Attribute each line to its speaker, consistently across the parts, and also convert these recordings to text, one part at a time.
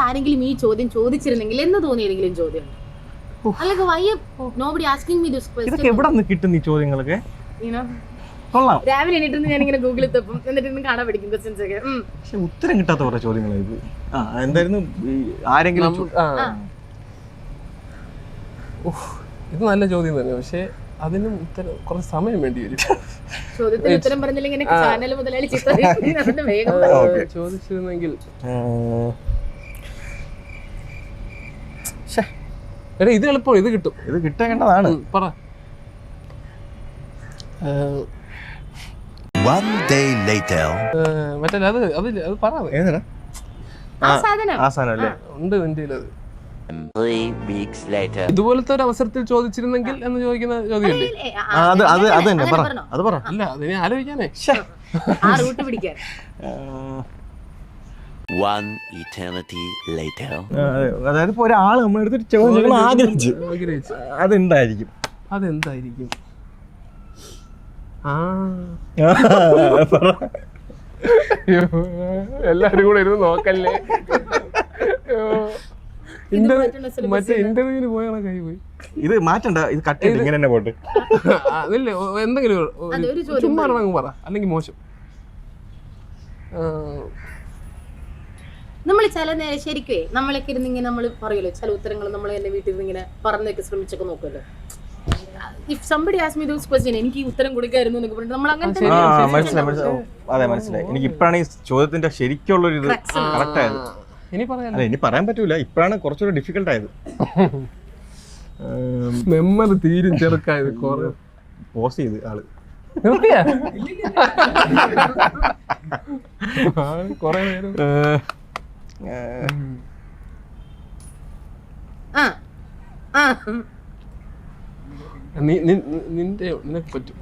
Speaker 1: ആരെങ്കിലും ഈ ചോദ്യം ചോദിച്ചിരുന്നെങ്കിൽ എന്ന് തോന്നിയെങ്കിലും ചോദ്യം അല്ലെങ്കിൽ why nobody asking me this question.
Speaker 2: ഇതൊക്കെ എവിടെ നിന്ന് കിട്ടും ഈ ചോദ്യങ്ങളൊക്കെ? കൊള്ളാം.
Speaker 1: രാവിലെ എണീറ്റ് ഞാൻ ഇങ്ങനെ ഗൂഗിളിൽ തപ്പും എന്നിട്ട് ഇന്ന് കാണാൻ പഠിക്കും ക്വസ്റ്റ്യൻസ് ഒക്കെ.
Speaker 2: പക്ഷെ ഉത്തരം കിട്ടാത്ത കുറെ ചോദ്യങ്ങൾ ഇത്. എന്തായിരുന്നു ആരെങ്കിലും
Speaker 3: ഇത് നല്ല ചോദ്യം തന്നെ, പക്ഷെ അതിനും ഉത്തരം കുറച്ച് സമയം വേണ്ടി വരും.
Speaker 1: ചോദ്യത്തിന് ഉത്തരം പറഞ്ഞില്ലെങ്കിൽ ചാനൽ മുതലാളി
Speaker 3: ചോദിച്ചിരുന്നെങ്കിൽ ഇത് എളുപ്പം, ഇത് കിട്ടും,
Speaker 2: ഇത് കിട്ടേണ്ടതാണ്.
Speaker 3: പറ. മറ്റേ അത് പറയാ ഉണ്ട് എന്റെ അത്. ഇതുപോലത്തെ ഒരു അവസരത്തിൽ ചോദിച്ചിരുന്നെങ്കിൽ എന്ന് ചോദിക്കുന്ന ചോദ്യമല്ലേ? അല്ല, അതിനെ ആലോചിക്കാനേ.
Speaker 2: അതായത് ഇപ്പൊ ഒരാള് നമ്മളെടുത്തൊരു ചോദ്യം ആഗ്രഹിച്ചു, അതെന്തായിരിക്കും?
Speaker 3: അതെന്തായിരിക്കും? എല്ലാരും കൂടെ ഇരുന്ന് നോക്കല്ലേ. മറ്റേ ഇന്റർവ്യൂവിന് പോയാണ് കൈ പോയി.
Speaker 2: ഇത് മാറ്റണ്ട, ഇത് കട്ട് ചെയ്ത് ഇങ്ങനെ തന്നെ പോട്ട്.
Speaker 3: അതല്ലേ എന്തെങ്കിലും ചുമ്മാ പറ, അല്ലെങ്കിൽ മോശം.
Speaker 1: നമ്മൾ ചില നേരം ശരിക്കേ നമ്മളൊക്കെ ഇരുന്നിങ്ങനെ നമ്മൾ പറയുമല്ലോ ചില ഉത്തരങ്ങൾ നമ്മൾ എന്റെ വീട്ടിൽ നിന്ന് ഇങ്ങനെ പറഞ്ഞൊക്കെ ശ്രമിച്ചൊക്കെ നോക്കുമല്ലോ. If somebody asks me those question എനിക്ക് ഈ ഉത്തരം കൊടുക്കായിരുന്നു എന്നൊക്കെ പറഞ്ഞിട്ട് നമ്മൾ അങ്ങനെ
Speaker 2: അതെ മനസ്സിലായി. എനിക്ക് ഇപ്പഴാണ് ഈ ചോദ്യത്തിന്റെ ശരിക്കുള്ളൊരു ഇത് കറക്റ്റ് ആയത്. ഇനി പറയാൻ പറ്റൂല, ഇപ്പഴാണ് കുറച്ചുകൂടെ ഡിഫിക്കൽട്ട് ആയത്.
Speaker 3: മെമ്മറി തീരും ചെറുക്കായത്.
Speaker 2: പോസ് ചെയ്ത് ആള്
Speaker 3: കൊറേ നേരം. നിനക്ക് പറ്റും.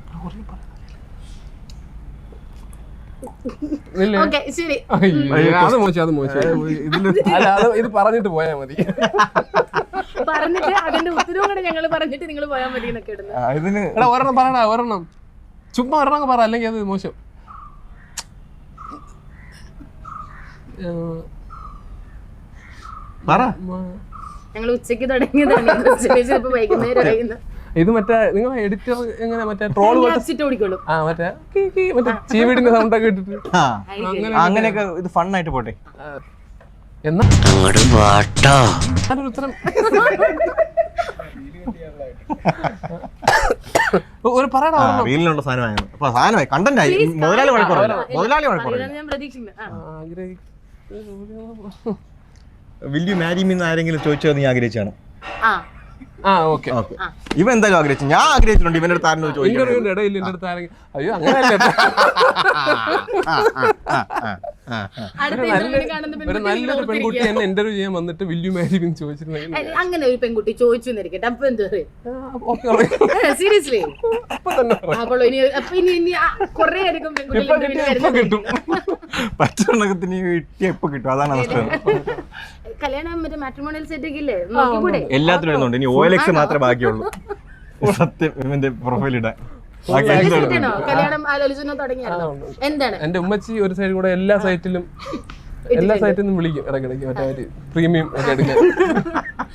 Speaker 3: അത് മോശം, അത് മോശം. ഇത് പറഞ്ഞിട്ട് പോയാ മതി.
Speaker 1: പറഞ്ഞിട്ട് അതിന്റെ ഉത്തരവും കൂടെ ഞങ്ങൾ പറഞ്ഞിട്ട് നിങ്ങൾ പോയാൽ മതി എന്നൊക്കെ ഇടുന്നു.
Speaker 3: ഒരെണ്ണം പറയണ, ഒരെണ്ണം ചുമ്മാ ഒരെണ്ണം പറ, അല്ലെങ്കിൽ അത് മോശം.
Speaker 1: ഞങ്ങൾ ഉച്ചക്ക് തുടങ്ങിയതാണ്, വൈകുന്നേരം.
Speaker 3: ഇത് മറ്റേ നിങ്ങൾ എഡിറ്റർ എങ്ങനെ മറ്റേ ട്രോൾ മറ്റേ ചീവീടിന്റെ സൗണ്ട് ഒക്കെ ഇട്ടിട്ട്
Speaker 2: അങ്ങനെയൊക്കെ ഇത് ഫണ്ണായിട്ട് പോട്ടെ.
Speaker 3: എന്നാ ഉത്തരം ഒരു പറയണ
Speaker 2: റീലിനുള്ള സാധനമായി കണ്ടന്റായി. മുതലാളി വഴക്കുറവില്ല, മുതലാളി വഴക്കുറവില്ല. വിൽ യു മാരി മീ എന്ന് ആരെങ്കിലും ചോദിച്ചോ നീ ആഗ്രഹിച്ചാണ്? ഇവ എന്തായാലും ആഗ്രഹിച്ചു, ഞാൻ ആഗ്രഹിച്ചിട്ടുണ്ട്. ഇവന്റെ അടുത്ത് ആരും
Speaker 3: അയ്യോ അങ്ങനെയല്ലേ. ഒരു നല്ലൊരു പെൺകുട്ടി എന്നെ ഇന്റർവ്യൂ ചെയ്യാൻ വന്നിട്ട് വിൽ യു മാരി മീ ചോദിച്ചിരുന്നെങ്കിൽ,
Speaker 1: അങ്ങനെ ഒരു പെൺകുട്ടി ചോദിച്ചു എന്നിരിക്കട്ടെ, അപ്പൊ എന്താ സീരിയസ്ലി കൊറേ അധികം
Speaker 2: കിട്ടും. പച്ചവെള്ളത്തിന് കിട്ടിയ എപ്പോ കിട്ടും, അതാണ് അവസ്ഥ.
Speaker 1: കല്യാണം മറ്റേ മാട്രിമോണിയൽ സെറ്റ് ഒക്കെ ഇല്ലേ, നോക്കിക്കൂടെ?
Speaker 2: എല്ലാത്തിനും വരുന്നുണ്ട്. ഇനി OLX മാത്രമേ ബാക്കിയുള്ളൂ സത്യം ഇവന്റെ പ്രൊഫൈൽ ഇടാൻ.
Speaker 1: കല്യാണം ആലോചന തുടങ്ങിയാലോ? എന്താണ്
Speaker 3: എന്റെ ഉമ്മച്ചി ഒരു സൈഡിൽ കൂടെ എല്ലാ സൈറ്റിൽ നിന്നും വിളിക്കും ഇടയ്ക്കിടയ്ക്ക്, മറ്റേ പ്രീമിയം ഒക്കെ എടുക്കാൻ.